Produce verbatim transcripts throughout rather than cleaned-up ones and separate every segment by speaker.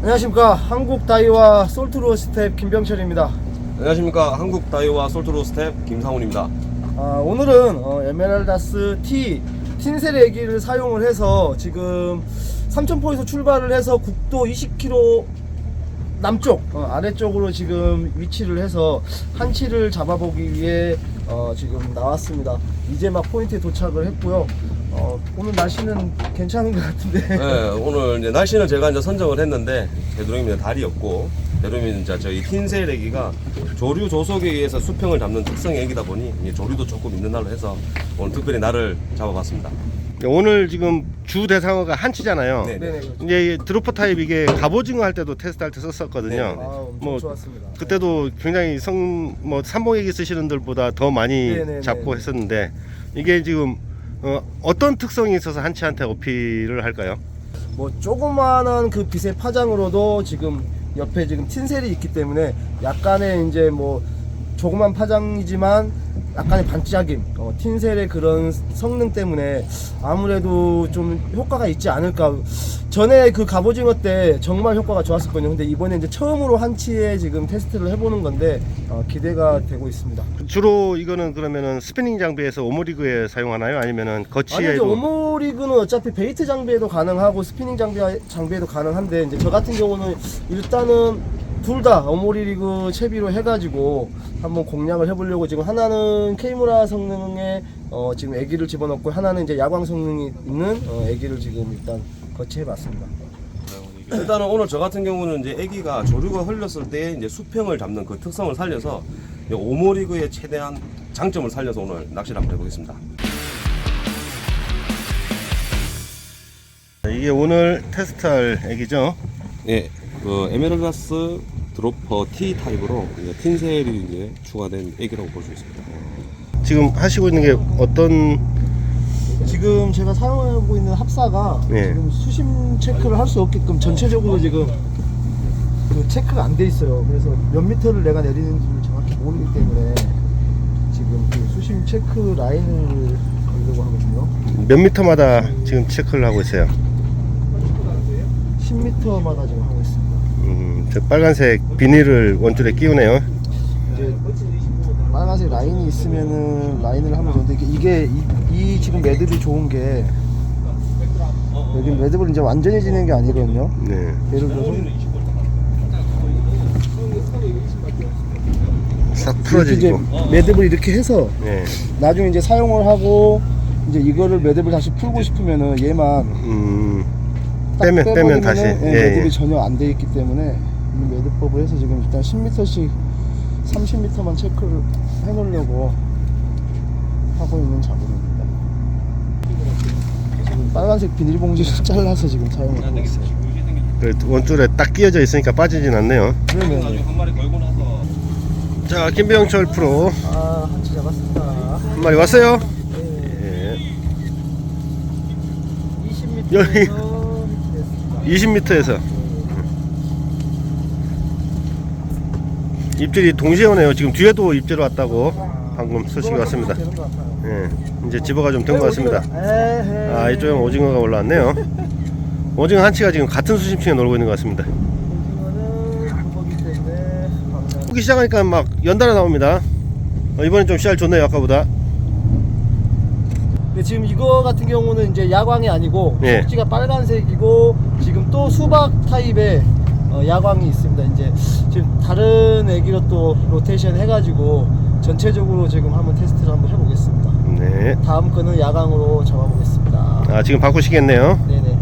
Speaker 1: 안녕하십니까. 한국 다이와 솔트로 스텝 김병철입니다.
Speaker 2: 안녕하십니까. 한국 다이와 솔트로 스텝 김상훈입니다.
Speaker 1: 아, 오늘은 어, 에메랄다스 T 틴셀 애기를 사용을 해서 지금 삼천포에서 출발을 해서 국도 이십 킬로미터 남쪽 어, 아래쪽으로 지금 위치를 해서 한치를 잡아보기 위해 어, 지금 나왔습니다. 이제 막 포인트에 도착을 했고요. 어, 오늘 날씨는 괜찮은 것 같은데.
Speaker 2: 네, 오늘 이제 날씨는 제가 이제 선정을 했는데 되도록이면 달이 없고 되도록이면 이제 저희 틴셀 애기가 조류 조속에 의해서 수평을 잡는 특성의 애기다 보니 이제 조류도 조금 있는 날로 해서 오늘 특별히 날을 잡아봤습니다.
Speaker 3: 오늘 지금 주 대상어가 한치잖아요.
Speaker 2: 네.
Speaker 1: 네네. 그렇죠.
Speaker 3: 이제 드로퍼 타입 이게 갑오징어 할 때도 테스트할 때 썼었거든요.
Speaker 2: 네.
Speaker 1: 아, 엄청
Speaker 3: 뭐
Speaker 1: 좋았습니다.
Speaker 3: 그때도 굉장히 성 뭐 삼봉애기 쓰시는 분들보다 더 많이
Speaker 1: 네네네.
Speaker 3: 잡고 했었는데 이게 지금 어, 어떤 특성이 있어서 한치한테 어필을 할까요?
Speaker 1: 뭐 조그마한 그 빛의 파장으로도 지금 옆에 지금 틴셀이 있기 때문에 약간의 이제 뭐 조그만 파장이지만 약간의 반짝임, 어, 틴셀의 그런 성능 때문에 아무래도 좀 효과가 있지 않을까. 전에 그 갑오징어 때 정말 효과가 좋았었거든요. 근데 이번에 이제 처음으로 한치에 지금 테스트를 해보는 건데 어, 기대가 되고 있습니다.
Speaker 3: 주로 이거는 그러면은 스피닝 장비에서 오모리그에 사용하나요? 아니면은
Speaker 1: 아니 이제
Speaker 3: 거치에도?
Speaker 1: 오모리그는 어차피 베이트 장비에도 가능하고 스피닝 장비 장비에도 가능한데 이제 저 같은 경우는 일단은 둘 다 오모리그 채비로 해가지고 한번 공략을 해보려고 지금 하나는 케이무라 성능의 어 지금 애기를 집어넣고 하나는 이제 야광 성능이 있는 어 애기를 지금 일단 거치해봤습니다.
Speaker 2: 일단은 오늘 저 같은 경우는 이제 애기가 조류가 흘렸을 때 이제 수평을 잡는 그 특성을 살려서 오모리그의 최대한 장점을 살려서 오늘 낚시를 한번 해보겠습니다.
Speaker 3: 이게 오늘 테스트할 애기죠?
Speaker 2: 예, 그 에메랄다스 드로퍼 T 타입으로 이제 틴셀이 이제 추가된 애기라고 볼 수 있습니다.
Speaker 3: 지금 하시고 있는 게 어떤?
Speaker 1: 지금 제가 사용하고 있는 합사가
Speaker 3: 네.
Speaker 1: 지금 수심 체크를 할 수 없게끔 전체적으로 지금 그 체크가 안 돼 있어요. 그래서 몇 미터를 내가 내리는지를 정확히 모르기 때문에 지금 그 수심 체크 라인을 걸려고 하거든요.
Speaker 3: 몇 미터마다 지금 체크를 하고 있어요.
Speaker 1: 십 미터마다 지금 하고 있습니다.
Speaker 3: 음, 저 빨간색 비닐을 원줄에 끼우네요.
Speaker 1: 이제 빨간색 라인이 있으면은 라인을 하면 좋은데 이게, 이게 이, 이 지금 매듭이 좋은 게 여기 매듭을 이제 완전히 지는 게 아니거든요.
Speaker 3: 네.
Speaker 1: 예를 들어서
Speaker 3: 싹
Speaker 1: 이렇게 이제
Speaker 3: 풀어지고.
Speaker 1: 매듭을 이렇게 해서
Speaker 3: 네.
Speaker 1: 나중에 이제 사용을 하고 이제 이거를 매듭을 다시 풀고 싶으면은 얘만
Speaker 3: 음,
Speaker 1: 딱
Speaker 3: 빼면 빼면
Speaker 1: 빼버리면은
Speaker 3: 다시.
Speaker 1: 예,
Speaker 3: 예,
Speaker 1: 매듭이
Speaker 3: 예.
Speaker 1: 전혀 안 돼 있기 때문에 이 매듭법을 해서 지금 일단 십 미터씩 삼십 미터만 체크를 해놓으려고 하고 있는 작업입니다. 지금 빨간색 비닐봉지를 잘라서 지금 사용을 하고 있어요.
Speaker 3: 그 원줄에 딱 끼어져 있으니까 빠지진 않네요.
Speaker 1: 그러면
Speaker 2: 한 마리 걸고 나서
Speaker 3: 자, 김병철 프로
Speaker 1: 아 한치 잡았습니다.
Speaker 3: 한 마리 왔어요.
Speaker 1: 네.
Speaker 3: 예.
Speaker 1: 이십
Speaker 3: 여기.
Speaker 1: 미터에서 됐습니다.
Speaker 3: 이십 미터에서 입질이 동시에 오네요. 지금 뒤에도 입질 왔다고 방금 소식이 왔습니다.
Speaker 1: 되는 것 같아요.
Speaker 3: 예, 이제 집어가 좀 된 것 같습니다.
Speaker 1: 에헤이.
Speaker 3: 아, 이쪽에 오징어가 올라왔네요. 오징어 한치가 지금 같은 수심층에 놀고 있는 것 같습니다.
Speaker 1: 오징어는 그거기 때문에 방금
Speaker 3: 보기 시작하니까 막 연달아 나옵니다. 어, 이번엔 좀 씨알 좋네요, 아까보다.
Speaker 1: 근데 지금 이거 같은 경우는 이제 야광이 아니고
Speaker 3: 예.
Speaker 1: 속지가 빨간색이고 지금 또 수박 타입의 어, 야광이 있습니다. 이제 지금 다른 애기로 또 로테이션 해가지고 전체적으로 지금 한번 테스트를 한번 해보겠습니다.
Speaker 3: 네.
Speaker 1: 다음 거는 야광으로 잡아보겠습니다.
Speaker 3: 아, 지금 바꾸시겠네요.
Speaker 1: 네네.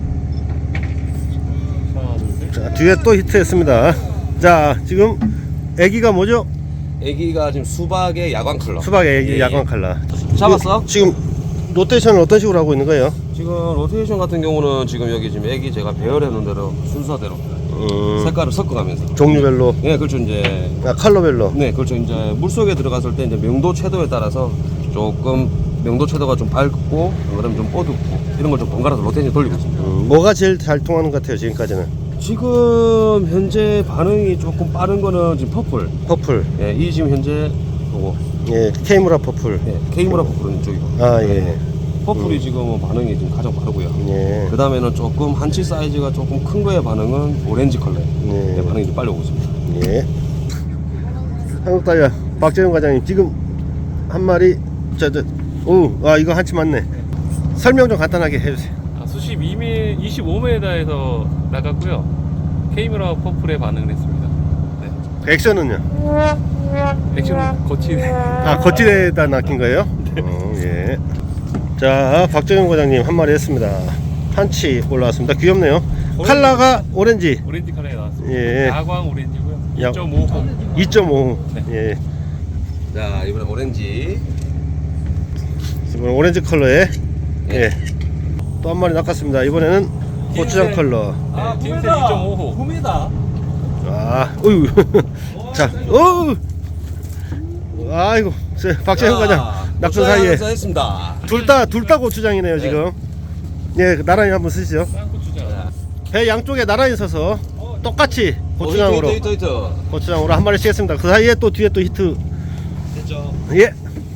Speaker 3: 자, 뒤에 또 히트했습니다. 자, 지금 애기가 뭐죠?
Speaker 2: 애기가 지금 수박의 야광 컬러.
Speaker 3: 수박 애기
Speaker 2: 예,
Speaker 3: 야광
Speaker 2: 예.
Speaker 3: 칼라.
Speaker 2: 잡았어?
Speaker 3: 지금 로테이션을 어떤 식으로 하고 있는 거예요?
Speaker 2: 지금 로테이션 같은 경우는 지금 여기 지금 애기 제가 배열해 놓은 대로 순서대로
Speaker 3: 음,
Speaker 2: 색깔을 섞어가면서.
Speaker 3: 종류별로,
Speaker 2: 네, 그렇죠. 이제
Speaker 3: 아, 컬러별로.
Speaker 2: 네, 그렇죠. 이제 물 속에 들어갔을 때 이제 명도 채도에 따라서 조금 명도 채도가 좀 밝고 그다음에 좀 어둡고 이런 걸 좀 번갈아서 로테이션 돌리고 있습니다.
Speaker 3: 음, 뭐가 제일 잘 통하는 것 같아요, 지금까지는?
Speaker 2: 지금 현재 반응이 조금 빠른 거는 지금 퍼플.
Speaker 3: 퍼플,
Speaker 2: 예, 이 지금 현재 요거.
Speaker 3: 예, 케이무라 퍼플.
Speaker 2: 예, 케이무라 퍼플은 이쪽이고.
Speaker 3: 아, 예.
Speaker 2: 퍼플이 지금 반응이 좀 가장 빠르고요.
Speaker 3: 예.
Speaker 2: 그 다음에는 조금 한치 사이즈가 조금 큰 거의 반응은 오렌지 컬러.
Speaker 3: 예.
Speaker 2: 네, 반응이 좀 빨리 오고 있습니다.
Speaker 3: 예. 한국다이아 박재영 과장님 지금 한 마리 저저오아 이거 한치 맞네. 설명 좀 간단하게 해주세요.
Speaker 4: 아, 수심 이 미, 이십오 미터에서 나갔고요. 케이미라 퍼플에 반응을 했습니다. 네.
Speaker 3: 액션은요?
Speaker 4: 액션은 거치네.
Speaker 3: 아 거칠에다 낚인 거예요? 어, 예. 자 박정현 과장님 한 마리 했습니다. 한치 올라왔습니다. 귀엽네요. 컬러가 오렌지.
Speaker 4: 오렌지 컬러에 나왔습니다.
Speaker 3: 예.
Speaker 4: 야광 오렌지고요.
Speaker 3: 야-
Speaker 4: 이 점 오 호.
Speaker 3: 이 점 오.
Speaker 4: 네.
Speaker 3: 예.
Speaker 2: 자, 이번엔 오렌지.
Speaker 3: 이번 오렌지 컬러에 예. 또 한 마리 낚았습니다. 이번에는 고추장 컬러.
Speaker 4: 네, 딘셀 이 점 오 호.
Speaker 1: 봄이다.
Speaker 3: 아, 어유. 자, 어. 아이고, 저 박재현 과장 낙선 사이에
Speaker 2: 했습니다.
Speaker 3: 둘 다 둘 다 고추장이네요 지금. 예, 나란히 한번 쓰시죠.
Speaker 4: 쌍고추장.
Speaker 3: 배 양쪽에 나란히 서서 똑같이 고추장으로
Speaker 2: 히트, 히트, 히트.
Speaker 3: 고추장으로 한 마리씩 했습니다. 그 사이에 또 뒤에 또 히트.
Speaker 2: 됐죠.
Speaker 3: 예.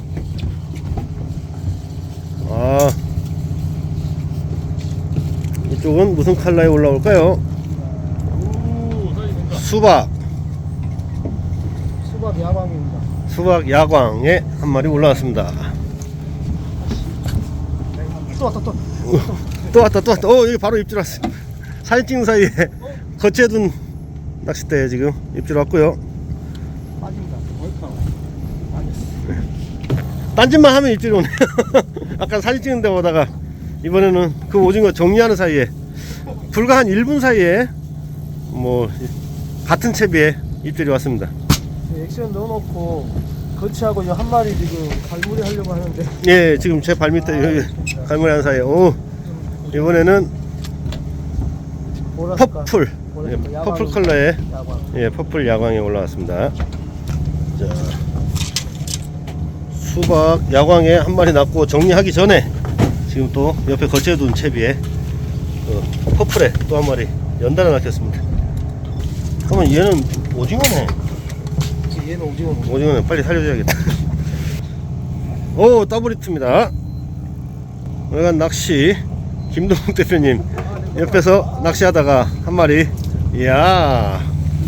Speaker 3: 아, 이쪽은 무슨 컬러에 올라올까요?
Speaker 4: 오, 사이즈가.
Speaker 3: 수박.
Speaker 1: 수박 야광입니다.
Speaker 3: 수박 야광에 한 마리 올라왔습니다.
Speaker 1: 또 왔다 또.
Speaker 3: 또 왔다 또 왔다. 어 여기 바로 입질 왔어. 사진 찍는 사이에 거치해둔 낚싯대에 지금 입질 왔고요.
Speaker 1: 빠진다. 얼카. 빠졌어.
Speaker 3: 딴짓만 하면 입질이 오네요. 아까 사진 찍는 데 보다가 이번에는 그 오징어 정리하는 사이에 불과 한 일 분 사이에 뭐 같은 채비에 입질이 왔습니다.
Speaker 1: 액션 넣어놓고 거치하고 이한 마리 지금 갈무리 하려고 하는데
Speaker 3: 예, 지금 제 발밑에 여기 갈무리 하는 사이에 오 이번에는
Speaker 1: 보라색깔.
Speaker 3: 퍼플 예,
Speaker 1: 보라색깔
Speaker 3: 퍼플
Speaker 1: 야광.
Speaker 3: 컬러에
Speaker 1: 야광.
Speaker 3: 예, 퍼플 야광에 올라왔습니다. 자, 수박 야광에 한 마리 낳고 정리하기 전에 지금 또 옆에 거치해둔 채비에 어, 퍼플에 또 한 마리 연달아 낚였습니다. 그러면 얘는 오징어네.
Speaker 1: 얘는 오징어.
Speaker 3: 오징어네. 빨리 살려줘야겠다. 오, 더블 히트입니다. 오늘간 낚시 김동욱 대표님 옆에서 낚시하다가 한 마리, 이야,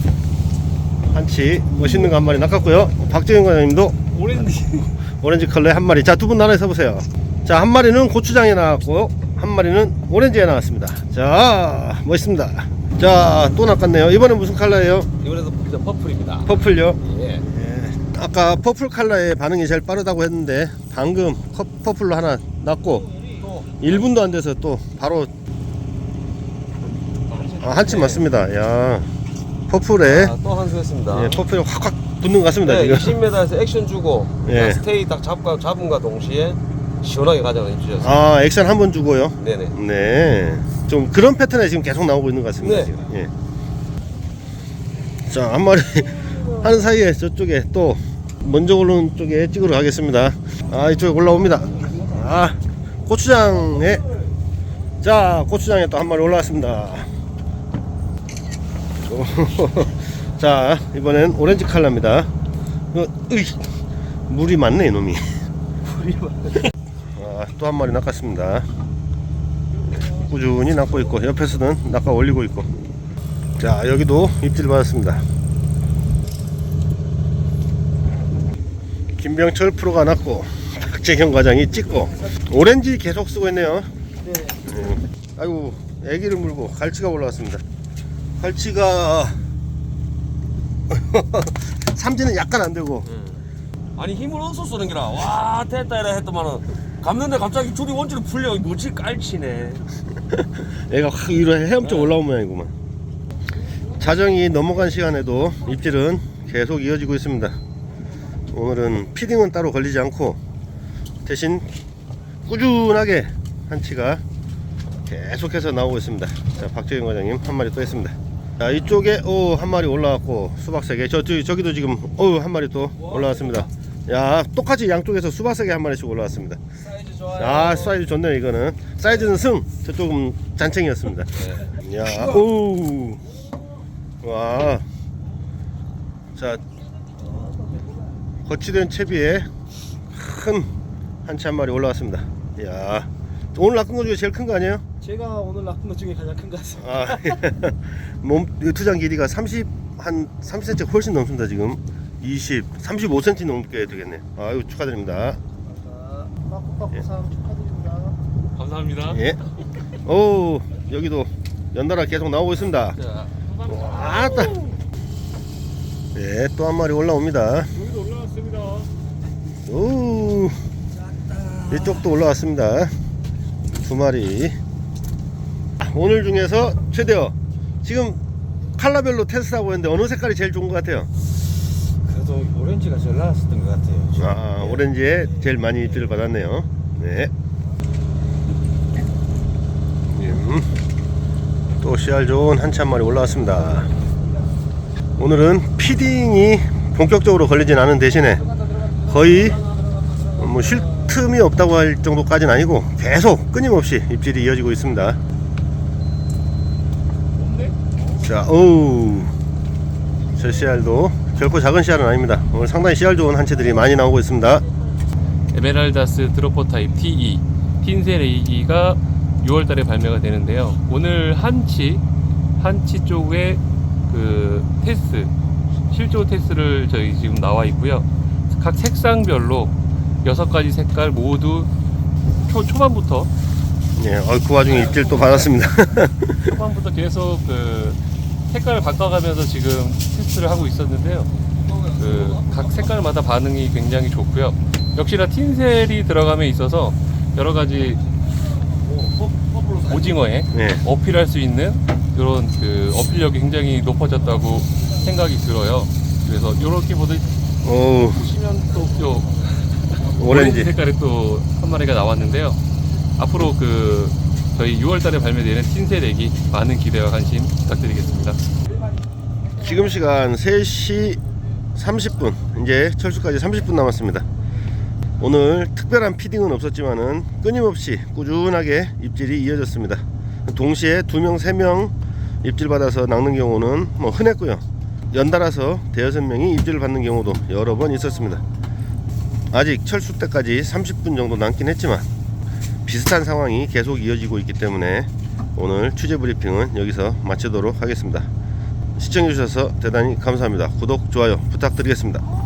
Speaker 3: 한치 멋있는 거 한 마리 낚았고요. 박재현 과장님도
Speaker 4: 오렌지.
Speaker 3: 오렌지 컬러에 한 마리. 자, 두 분 나눠서 보세요. 자, 한 마리는 고추장에 나왔고 한 마리는 오렌지에 나왔습니다. 자, 멋있습니다. 자, 또 낚았네요. 이번엔 무슨 컬러예요?
Speaker 2: 이번에도 퍼플입니다.
Speaker 3: 퍼플요.
Speaker 2: 예.
Speaker 3: 예, 아까 퍼플 컬러의 반응이 제일 빠르다고 했는데 방금 커, 퍼플로 하나 났고 일 분도 안 돼서 또 바로 아, 한치 맞습니다. 야, 퍼플에
Speaker 2: 아, 또 한 수 했습니다.
Speaker 3: 예, 퍼플이 확확 붙는 것 같습니다.
Speaker 2: 네,
Speaker 3: 지금.
Speaker 2: 이십 미터에서 액션 주고
Speaker 3: 예.
Speaker 2: 스테이 딱 잡과 잡음과 동시에 시원하게 가져가 주셨어요.
Speaker 3: 아, 액션 한 번 주고요.
Speaker 2: 네네.
Speaker 3: 네, 좀 그런 패턴에 지금 계속 나오고 있는 것 같습니다.
Speaker 2: 네.
Speaker 3: 지금. 예. 자, 한 마리 하는 사이에 저쪽에 또 먼저 오르는 쪽에 찍으러 가겠습니다. 아, 이쪽에 올라옵니다. 아, 고추장에 자, 고추장에 또 한 마리 올라왔습니다. 자, 이번엔 오렌지 컬러입니다. 어, 으이, 물이 많네 이놈이. 아, 또 한 마리 낚았습니다. 꾸준히 낚고 있고 옆에서는 낚아 올리고 있고. 자, 여기도 입질 받았습니다. 김병철 프로가 낚고 박재경 과장이 찍고 오렌지 계속 쓰고 있네요.
Speaker 1: 네.
Speaker 3: 네. 아이고, 애기를 물고 갈치가 올라왔습니다. 갈치가 삼지는 약간 안 되고.
Speaker 2: 아니 힘을 얻어 쏘는 게라 와 됐다 이라 했더만은 감는데 갑자기 줄이 원줄이 풀려. 뭐지 깔치네.
Speaker 3: 애가 확 위로 헤엄쳐 올라온 모양이구만. 자정이 넘어간 시간에도 입질은 계속 이어지고 있습니다. 오늘은 피딩은 따로 걸리지 않고 대신 꾸준하게 한치가 계속해서 나오고 있습니다. 자, 박재경 과장님 한 마리 또 했습니다. 자, 이쪽에 오, 한 마리 올라왔고 수박 세 개. 저, 저 저기도 지금 오, 한 마리 또 올라왔습니다. 야, 똑같이 양쪽에서 수박 세 개 한 마리씩 올라왔습니다.
Speaker 2: 사이즈 좋아요.
Speaker 3: 아, 사이즈 좋네요. 이거는 사이즈는 승, 저쪽은 잔챙이였습니다. 야, 오, 와, 자, 거치된 채비에 큰 한치 한 마리 올라왔습니다. 야, 오늘 낚은 거 중에 제일 큰 거 아니에요?
Speaker 1: 제가 오늘 낚은 것 중에 가장 큰 것 같습니다.
Speaker 3: 아, 몸 투장 길이가 삼십 한 삼십 센티미터 훨씬 넘습니다. 지금 이십, 삼십오 센티미터 넘게 되겠네. 아유, 축하드립니다.
Speaker 1: 빠꾸빠꾸상 축하드립니다.
Speaker 4: 감사합니다.
Speaker 3: 예. 오, 여기도 연달아 계속 나오고 있습니다.
Speaker 4: 자,
Speaker 3: 아따. 예, 또 한 마리 올라옵니다.
Speaker 4: 여기도 올라왔습니다.
Speaker 3: 오, 이쪽도 올라왔습니다. 두 마리. 오늘 중에서 최대어 지금 컬러별로 테스트하고 있는데 어느 색깔이 제일 좋은 것 같아요?
Speaker 5: 그래도 오렌지가 제일 나았었던 것 같아요. 지금.
Speaker 3: 아, 오렌지에 제일 많이 입질을 받았네요. 네. 음, 또 씨알 좋은 한치 한 마리 올라왔습니다. 오늘은 피딩이 본격적으로 걸리진 않은 대신에 거의 뭐 쉴 틈이 없다고 할 정도까지는 아니고 계속 끊임없이 입질이 이어지고 있습니다. 자, 오우, 저 씨알도 결코 작은 씨알은 아닙니다. 오늘 상당히 씨알 좋은 한치들이 많이 나오고 있습니다.
Speaker 4: 에메랄다스 드로퍼 타입 티이 틴셀레이기가 유월 달에 발매가 되는데요. 오늘 한치 한치 쪽에 그 테스트 실조 테스트를 저희 지금 나와 있고요. 각 색상별로 여섯 가지 색깔 모두 초 초반부터
Speaker 3: 예, 어, 그 와중에 입질 또 받았습니다.
Speaker 4: 초반부터 계속 그 색깔을 바꿔가면서 지금 테스트를 하고 있었는데요. 그 각 색깔마다 반응이 굉장히 좋고요. 역시나 틴셀이 들어감에 있어서 여러 가지 오징어에
Speaker 3: 예.
Speaker 4: 어필할 수 있는 이런 그 어필력이 굉장히 높아졌다고 생각이 들어요. 그래서 이렇게 보듯
Speaker 3: 오우,
Speaker 4: 보시면 또 요
Speaker 3: 오렌지.
Speaker 4: 색깔이 또 한 마리가 나왔는데요. 앞으로 그 저희 유월 달에 발매되는 틴셀액이 많은 기대와 관심 부탁드리겠습니다.
Speaker 3: 지금 시간 세 시 삼십 분, 이제 철수까지 삼십 분 남았습니다. 오늘 특별한 피딩은 없었지만은 끊임없이 꾸준하게 입질이 이어졌습니다. 동시에 두 명, 세 명 입질 받아서 낚는 경우는 뭐 흔했고요. 연달아서 대여섯 명이 입질을 받는 경우도 여러 번 있었습니다. 아직 철수 때까지 삼십 분 정도 남긴 했지만 비슷한 상황이 계속 이어지고 있기 때문에 오늘 취재 브리핑은 여기서 마치도록 하겠습니다. 시청해주셔서 대단히 감사합니다. 구독, 좋아요 부탁드리겠습니다.